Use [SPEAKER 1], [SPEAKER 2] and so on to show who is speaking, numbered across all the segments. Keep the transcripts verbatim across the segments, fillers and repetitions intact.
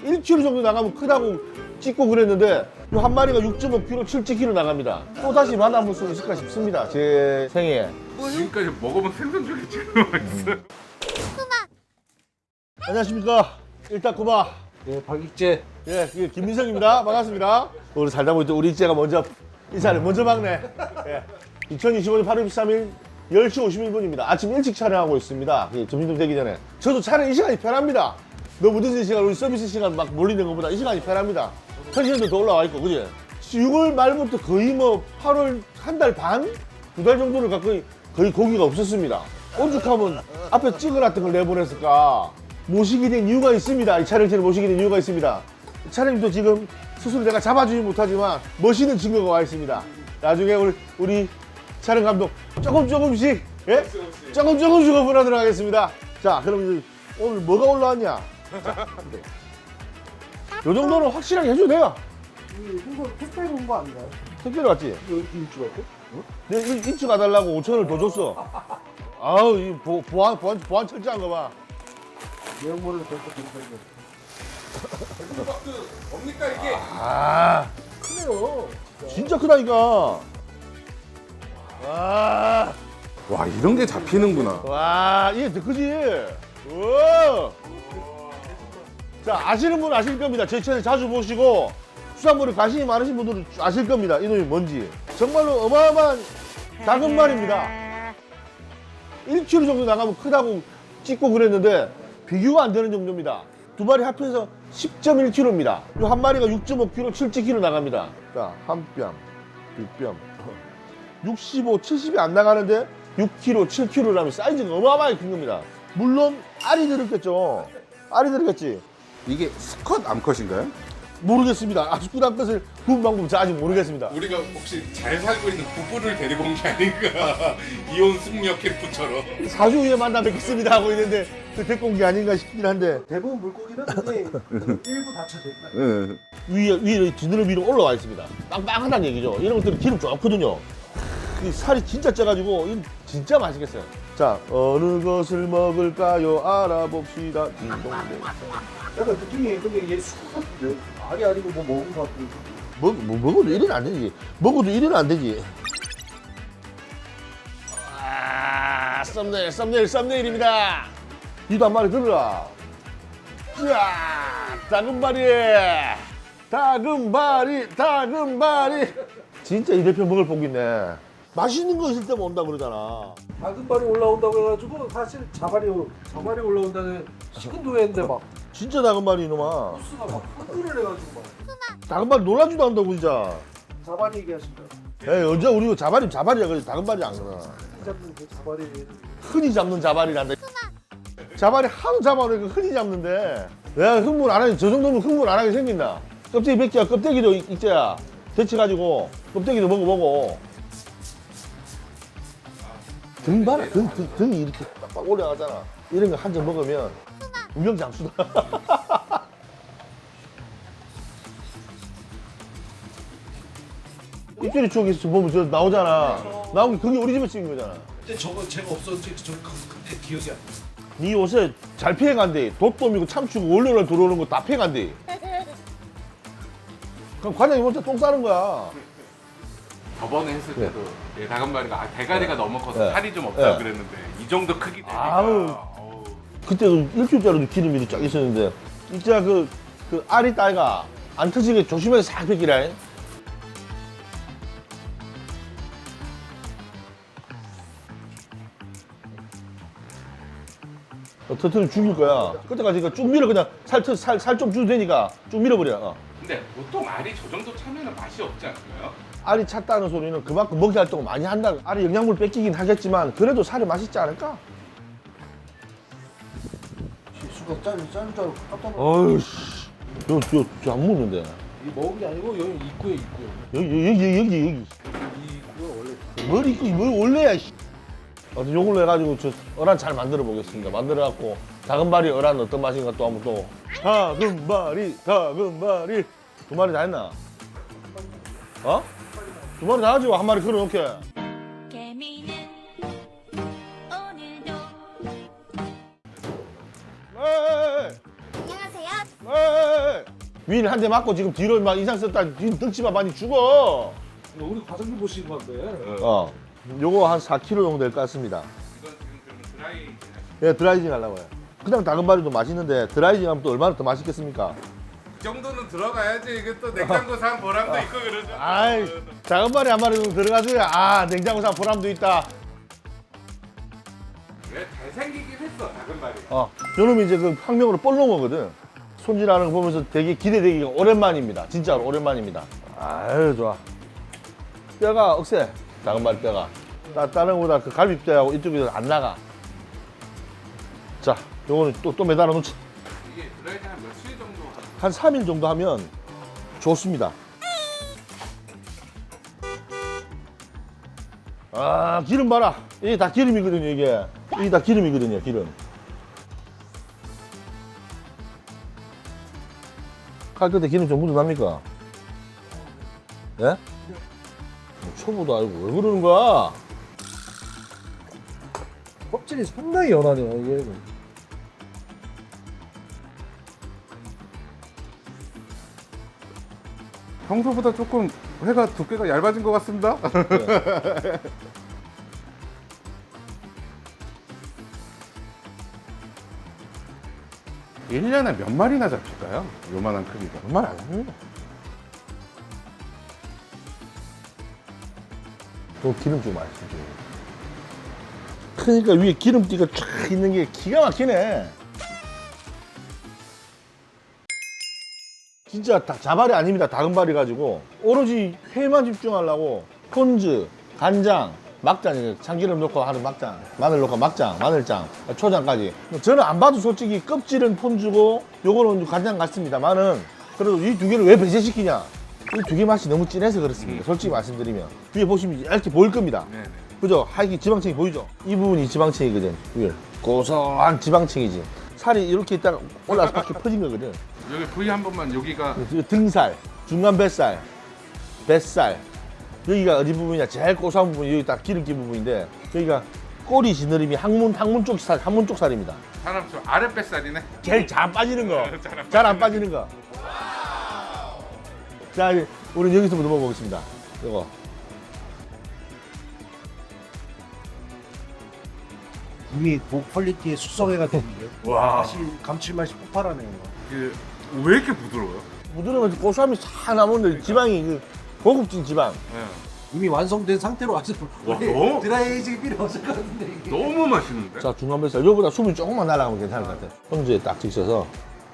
[SPEAKER 1] 일 킬로그램 정도 나가면 크다고 찍고 그랬는데 이 한 마리가 육 점 오 킬로그램, 칠 킬로그램 나갑니다. 또 다시 만나볼 수 있을까 싶습니다. 제 생에.
[SPEAKER 2] 지금까지 먹어본 생선 중에 제일 맛있어요.
[SPEAKER 1] 안녕하십니까. 일타쿠마.
[SPEAKER 3] 예, 박익재.
[SPEAKER 1] 예, 예, 김민석입니다. 반갑습니다. 우리 살다 보니 또 우리 ik재가 먼저 인사를 먼저 막네. 예. 이천이십오 년 팔월 이십삼 일 열 시 오십일 분입니다. 아침 일찍 촬영하고 있습니다. 예, 점심 되기 전에. 저도 촬영 이 시간이 편합니다. 너무 늦은 시간, 우리 서비스 시간 막 몰리는 것보다 이 시간이 편합니다. 텐션도 더 올라와 있고, 그지? 유월 말부터 거의 뭐 팔월 한 달 반? 두 달 정도를 가까이 거의 고기가 없었습니다. 오죽하면 앞에 찍어놨던 걸 내보냈을까? 모시게 된 이유가 있습니다. 이 촬영팀을 모시게 된 이유가 있습니다. 촬영도 지금 스스로 내가 잡아주지 못하지만 멋있는 친구가 와 있습니다. 나중에 우리, 우리 촬영 감독 조금 조금씩, 예? 조금 조금씩 오픈하도록 하겠습니다. 자, 그럼 이제 오늘 뭐가 올라왔냐? 자, 네. 요 정도는 확실하게 해줘도 돼요.
[SPEAKER 3] 이거 택배로 온 거 아닌가요?
[SPEAKER 1] 택배로 왔지?
[SPEAKER 3] 이거 일주 갖고?
[SPEAKER 1] 내 일주 가달라고 오천 원을 더 줬어. 아우, 이 보, 보안, 보안, 보안 철저한 거 봐.
[SPEAKER 3] 내용물을 계속 검색해.
[SPEAKER 2] 뭡니까 이게?
[SPEAKER 1] 아,
[SPEAKER 3] 크네요.
[SPEAKER 1] 진짜 크다니까. 와,
[SPEAKER 2] 와 이런 게 잡히는구나.
[SPEAKER 1] 와, 이게 더 크지? 우와. 자, 아시는 분은 아실 겁니다. 제 채널 자주 보시고 수산물에 관심이 많으신 분들은 아실 겁니다. 이놈이 뭔지. 정말로 어마어마한 작은 말입니다. 일 킬로그램 정도 나가면 크다고 찍고 그랬는데 비교가 안 되는 정도입니다. 두 마리 합해서 십 점 일 킬로그램입니다. 이 한 마리가 육 점 오 킬로그램, 칠 킬로그램 나갑니다. 자, 한 뼘, 두 뼘. 육십오, 칠십이 안 나가는데 육 킬로그램, 칠 킬로그램이라면 사이즈가 어마어마하게 큰 겁니다. 물론 알이 들었겠죠. 알이 들었겠지.
[SPEAKER 2] 이게 수컷 암컷인가요?
[SPEAKER 1] 모르겠습니다. 아스쿠단 것을 구분 방법 저 아직 모르겠습니다.
[SPEAKER 2] 우리가 혹시 잘 살고 있는 부부를 데리고 온 게 아닌가? 이혼 숙녀 캠프처럼.
[SPEAKER 1] 사주 후에 만나 뵙겠습니다 하고 있는데 그 데리고 온 게 아닌가 싶긴 한데
[SPEAKER 3] 대부분 물고기는 근데 일부 다쳐져 있다.
[SPEAKER 2] 네.
[SPEAKER 1] 위에 위에 지느러 위로 올라와 있습니다. 빵빵하다는 얘기죠. 이런 것들은 기름 좋거든요. 이 살이 진짜 쪄가지고 이건 진짜 맛있겠어요. 자, 어느 것을 먹을까요? 알아봅시다. 딩동댕.
[SPEAKER 3] 약간 느낌이 근데 얘 수컷 같은데? 알이 아니고 뭐 먹은 거 같은데.
[SPEAKER 1] 먹, 뭐, 먹어도 이래는 안 되지. 먹어도 이래는 안 되지. 아, 썸네일, 썸네일, 썸네일입니다. 이도 한 마리 들어라. 자, 다금바리. 다금바리, 다금바리. 진짜 이 대표 먹을 복 있네. 맛있는 거 있을 때만 온다 그러잖아.
[SPEAKER 3] 다금발이 올라온다고 해가지고 사실 자발이 자발이 올라온다는 시큰둥했는데 막
[SPEAKER 1] 진짜 다금바리 이놈아.
[SPEAKER 3] 수가 막 흥분을 해가지고 막
[SPEAKER 1] 다금바리 놀라지도 않는다고 진짜.
[SPEAKER 3] 자발이 얘기하신다.
[SPEAKER 1] 에이, 언제 우리 자발이 자발이야. 그래 다금바리 안 그러나.
[SPEAKER 3] 잡는 그 자발이
[SPEAKER 1] 흔히 잡는 자발이란다. 자발이 하도 잡아놓으니까 흔히 잡는데 내가 흥분 안 하니 저 정도면 흥분 안 하게 생긴다. 껍데기 벗기야. 껍데기도 익재야. 데쳐가지고 껍데기도 먹어보고. 등 봐라. 등, 등, 등이 이렇게 빡빡 올라가잖아. 이런 거 한 점 먹으면 운명장수다. 입질이 추억에서 보면 저 나오잖아. 나온 게 그게 우리 집에 찍은 거잖아.
[SPEAKER 3] 근데 저거 제가 없었지 저 그때 기억이 안 나.
[SPEAKER 1] 네 옷에 잘 피해간대. 돛돔이고 참치고 월요일날 들어오는 거 다 피해간대. 그럼 과장님 혼자 똥 싸는 거야.
[SPEAKER 2] 저번에 했을 때도 예, 다금바리가 아, 대가리가 너무 커서
[SPEAKER 1] 네.
[SPEAKER 2] 살이 좀 없다
[SPEAKER 1] 네.
[SPEAKER 2] 그랬는데 이 정도 크기 되니까.
[SPEAKER 1] 아우.
[SPEAKER 2] 어우.
[SPEAKER 1] 그때도 일주일짜리도 기름이 쫙 있었는데 진짜 그, 그 알이 딸가 안 터지게 조심해서 싹 뺏기라. 어, 터트리면 죽일 거야. 그때까지 그러니까 쭉 밀어. 그냥 살살 살 좀 줘도 되니까 쭉 밀어버려. 어.
[SPEAKER 2] 근데 보통 알이 저 정도 차면은 맛이 없지 않나요?
[SPEAKER 1] 알이 찼다는 소리는 그만큼 먹이 활동을 많이 한다. 알이 영양분 뺏기긴 하겠지만 그래도 살이 맛있지 않을까?
[SPEAKER 3] 수가 짜리 짜리 짜리 깜짝 놀랐어.
[SPEAKER 1] 어이씨, 저, 저, 저 안 먹는데.
[SPEAKER 3] 이 먹은 게 아니고 여기 입구에 입구에.
[SPEAKER 1] 여기, 여기, 여기, 여기.
[SPEAKER 3] 이 입구가 원래
[SPEAKER 1] 뭘 입고, 뭘 원래야, 씨. 아무튼 요걸로 해가지고 저 어란 잘 만들어 보겠습니다. 만들어갖고 다금바리 어란 어떤 맛인가 또 한번 또. 다금바리, 다금바리. 두 마리 다 했나? 어? 두 마리 다 하지, 한 마리 걸어놓게.
[SPEAKER 4] 개미는 오늘도
[SPEAKER 1] 에이,
[SPEAKER 4] 안녕하세요.
[SPEAKER 1] 에이, 위를 한 대 맞고 지금 뒤로 막 인상 썼다 지금 덩치만 많이 죽어.
[SPEAKER 3] 우리 과장님 보신 건데.
[SPEAKER 1] 어. 요거 한 사 킬로그램 정도 될 것 같습니다.
[SPEAKER 2] 이건 지금 그러면 드라이.
[SPEAKER 1] 예, 드라이징 하려고 해요. 그냥 다금바리도 맛있는데 드라이징 하면 또 얼마나 더 맛있겠습니까?
[SPEAKER 2] 이 정도는 들어가야지. 이게 또 냉장고 산 보람도 있고 그러죠.
[SPEAKER 1] 아이, 다금바리 한 마리 정도 들어가줘야 아, 냉장고 사 보람도 있다.
[SPEAKER 2] 왜 잘생기긴 했어 다금바리.
[SPEAKER 1] 어, 요놈이 이제 그 학명으로 볼롱어거든. 손질하는 거 보면서 되게 기대되기가 오랜만입니다. 진짜로 오랜만입니다. 아유, 좋아. 뼈가 억세. 다금바리 뼈가. 따, 다른 거보다 그 갈비뼈하고 이쪽이 안 나가. 자, 요거는 또, 또 매달아 놓지.
[SPEAKER 2] 이게 드라이징 한 며칠 정도?
[SPEAKER 1] 한 삼 일 정도 하면 좋습니다. 아, 기름 봐라. 이게 다 기름이거든요, 이게. 이게 다 기름이거든요, 기름. 칼 끝에 기름 좀 묻어납니까? 예? 초보도 알고 왜 그러는 거야?
[SPEAKER 3] 껍질이 상당히 연하네요 이게.
[SPEAKER 2] 평소보다 조금 회가 두께가 얇아진 것 같습니다. 일 년에 몇 마리나 잡힐까요? 요만한 크기가.
[SPEAKER 1] 정말 안 합니다. 또 기름 좀 맛있죠. 그러니까 위에 기름띠가 쫙 있는 게 기가 막히네. 진짜 다 자발이 아닙니다. 다금발이 가지고 오로지 회만 집중하려고 폰즈, 간장, 막장, 참기름 넣고 하는 막장, 마늘 넣고 막장, 마늘장, 초장까지. 저는 안 봐도 솔직히 껍질은 폰즈고 요거는 간장 같습니다만은 그래도 이 두 개를 왜 배제시키냐? 이 두 개 맛이 너무 진해서 그렇습니다. 솔직히 말씀드리면 위에 보시면 이렇게 보일 겁니다.
[SPEAKER 2] 네네.
[SPEAKER 1] 그죠? 하얗게 지방층이 보이죠? 이 부분이 지방층이거든. 위에 고소한 지방층이지. 살이 이렇게 있다가 올라서 밖에 퍼진 거거든.
[SPEAKER 2] 여기 부위 한 번만 여기가
[SPEAKER 1] 등살, 중간 뱃살, 뱃살. 여기가 어디 부분이냐? 제일 고소한 부분이 여기 딱 기름기 부분인데 여기가 꼬리 지느러미 항문 항문 쪽 살, 항문 쪽 살입니다.
[SPEAKER 2] 사람 좀 아랫뱃살이네.
[SPEAKER 1] 제일 잘 안 빠지는 거. 잘 안 빠지는 거. 자, 이제 우리는 여기서부터 먹어보겠습니다. 이거.
[SPEAKER 3] 이미 그 퀄리티의 숙성회가 됐는데.
[SPEAKER 2] 와.
[SPEAKER 3] 맛이 감칠맛이 폭발하네요.
[SPEAKER 2] 그 왜 이렇게 부드러워요?
[SPEAKER 1] 부드러우면서 고소함이 싹 나오는데 지방이 그 고급진 지방.
[SPEAKER 2] 네.
[SPEAKER 3] 이미 완성된 상태로 아직
[SPEAKER 2] 와, 너무-
[SPEAKER 3] 드라이징이 필요 없을 것 같은데 이게.
[SPEAKER 2] 너무 맛있는데?
[SPEAKER 1] 자, 중간 뱃살. 이거보다 숨이 조금만 날아가면 괜찮을 것 같아. 형제에 딱 찍혀서.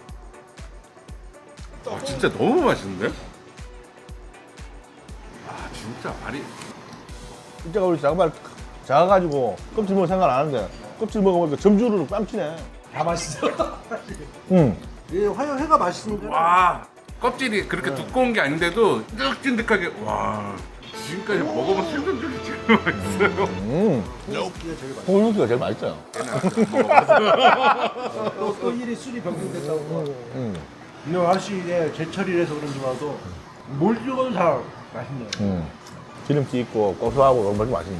[SPEAKER 2] 아, 진짜 너무 맛있는데? 아 진짜 말이
[SPEAKER 1] 진짜 우리 장발 작아가지고 껍질 먹을 생각 안 하는데 껍질 먹어보니까 점주르르 뺨치네.
[SPEAKER 3] 다 맛있어.
[SPEAKER 1] 응.
[SPEAKER 3] 이 화요 회가 맛있는데.
[SPEAKER 2] 와 껍질이 그렇게 두꺼운 게 아닌데도 쫀득쫀득하게 와 지금까지 먹어본 생선 중에 제일 맛있어요.
[SPEAKER 1] 음. 홍유기가 제일 맛있어요.
[SPEAKER 3] 또, 또 일이 술이 병행됐다고.
[SPEAKER 1] 음.
[SPEAKER 3] 이거 아저씨의 제철이라서 그런지 봐도 뭘 찍어도 다 맛있네요.
[SPEAKER 1] 음. 기름기 있고 고소하고 너무 맛있네.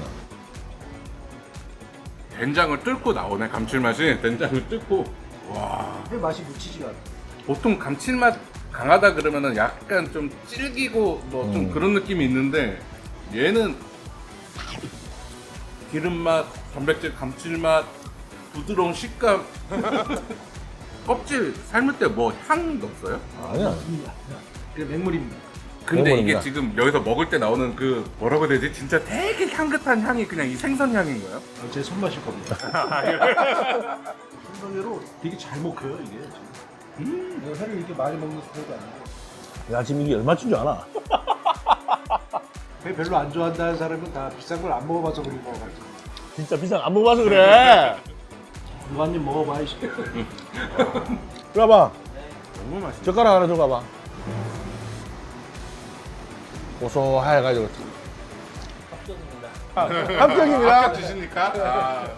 [SPEAKER 2] 된장을 뚫고 나오네 감칠맛이. 된장을 뚫고 와
[SPEAKER 3] 회 맛이 묻히지가 않아.
[SPEAKER 2] 보통 감칠맛 강하다 그러면은 약간 좀 질기고 뭐 좀
[SPEAKER 1] 음.
[SPEAKER 2] 그런 느낌이 있는데 얘는 기름맛, 단백질 감칠맛, 부드러운 식감. 껍질 삶을 때 뭐 향 넣었어요?
[SPEAKER 1] 아니야.
[SPEAKER 3] 그 맹물입니다.
[SPEAKER 2] 근데
[SPEAKER 1] 먹어봅니다.
[SPEAKER 2] 이게 지금 여기서 먹을 때 나오는 그 뭐라고 해야 되지? 진짜 되게 향긋한 향이 그냥 이 생선 향인 거예요?
[SPEAKER 3] 어, 제 손맛일 겁니다. 생선회로 되게 잘 먹혀요 이게. 음. 내가 회를 이렇게 많이 먹는 스타일이 아니고.
[SPEAKER 1] 야, 지금 이게 얼마쯤 줄 아나?
[SPEAKER 3] 회 별로 안 좋아한다는 사람은 다 비싼 걸 안 먹어봐서 그런 거 같아.
[SPEAKER 1] 진짜 비싼 거 안 먹어봐서 그래.
[SPEAKER 3] 이거 한 입 먹어봐야지.
[SPEAKER 1] 이리 와봐.
[SPEAKER 2] 너무 맛있어.
[SPEAKER 1] 젓가락 하나 들어가봐. 고소해가지고. 합격입니다. 합격입니다.
[SPEAKER 2] 아까 드십니까? 아.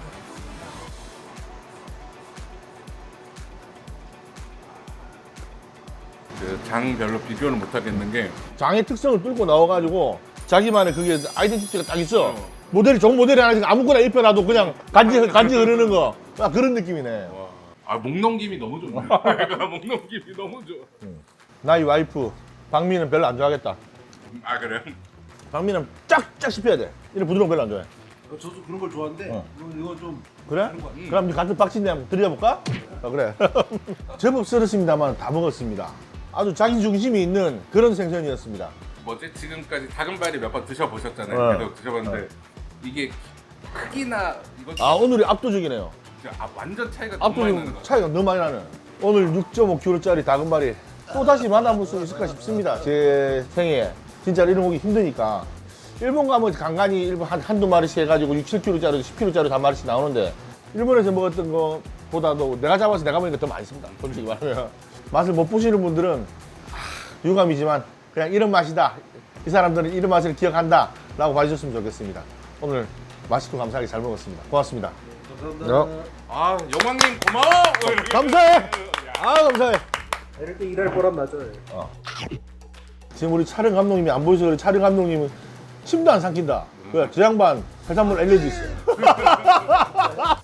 [SPEAKER 2] 그장 별로 비교를 못 하겠는 게
[SPEAKER 1] 장의 특성을 뚫고 나와가지고 자기만의 그게 아이덴티티가 딱 있어.
[SPEAKER 2] 어.
[SPEAKER 1] 모델이 좋은 모델이 하나 있으니까 아무거나 입혀놔도 그냥 간지 간지 흐르는 거. 아, 그런 느낌이네.
[SPEAKER 2] 와. 아, 목 넘김이 너무 좋네. 내가 목 넘김이 너무 좋아.
[SPEAKER 1] 나의 와이프 박미는 별로 안 좋아하겠다.
[SPEAKER 2] 아 그래요?
[SPEAKER 1] 박미는 쫙쫙 씹혀야 돼. 이런 부드러운 거 별로 안 좋아해.
[SPEAKER 3] 어, 저도 그런 걸 좋아하는데
[SPEAKER 1] 어.
[SPEAKER 3] 이거, 이거 좀
[SPEAKER 1] 그래?
[SPEAKER 3] 다른 거 같아.
[SPEAKER 1] 그럼 이제 같은 박진데 한번 드려볼까? 아, 그래. 제법 썰었습니다만 다 먹었습니다. 아주 자기 중심이 있는 그런 생선이었습니다.
[SPEAKER 2] 뭐지 지금까지 다금바리 몇 번 드셔보셨잖아요.
[SPEAKER 1] 네.
[SPEAKER 2] 계속 드셔봤는데 이게 크기나 이것
[SPEAKER 1] 아 오늘이 압도적이네요.
[SPEAKER 2] 아, 완전 차이가 너무 많이 나는
[SPEAKER 1] 압도적
[SPEAKER 2] 거.
[SPEAKER 1] 차이가 너무 많이 나는. 오늘 육 점 오 킬로그램짜리 다금바리 또 다시 만나볼 수 있을까 싶습니다. 제 생에 진짜 이런 오기 힘드니까 일본 가면 간간히 일본 한, 한두 마리씩 해가지고 육, 칠 킬로그램짜리, 십 킬로그램짜리 한 마리씩 나오는데 일본에서 먹었던 거보다도 내가 잡아서 내가 먹으니까 더 많습니다. 솔직히 말하면 맛을 못 보시는 분들은 하, 유감이지만 그냥 이런 맛이다. 이 사람들은 이런 맛을 기억한다 라고 봐주셨으면 좋겠습니다. 오늘 맛있고 감사하게 잘 먹었습니다. 고맙습니다.
[SPEAKER 3] 감사합니다.
[SPEAKER 2] 아 영광님 고마워.
[SPEAKER 1] 감사해. 아 감사해.
[SPEAKER 3] 이럴 때 일할 보람 나죠.
[SPEAKER 1] 지금 우리 촬영 감독님이 안 보여서 그래. 촬영 감독님은 침도 안 삼킨다. 그래, 저 양반 해산물 알레르기 있어요.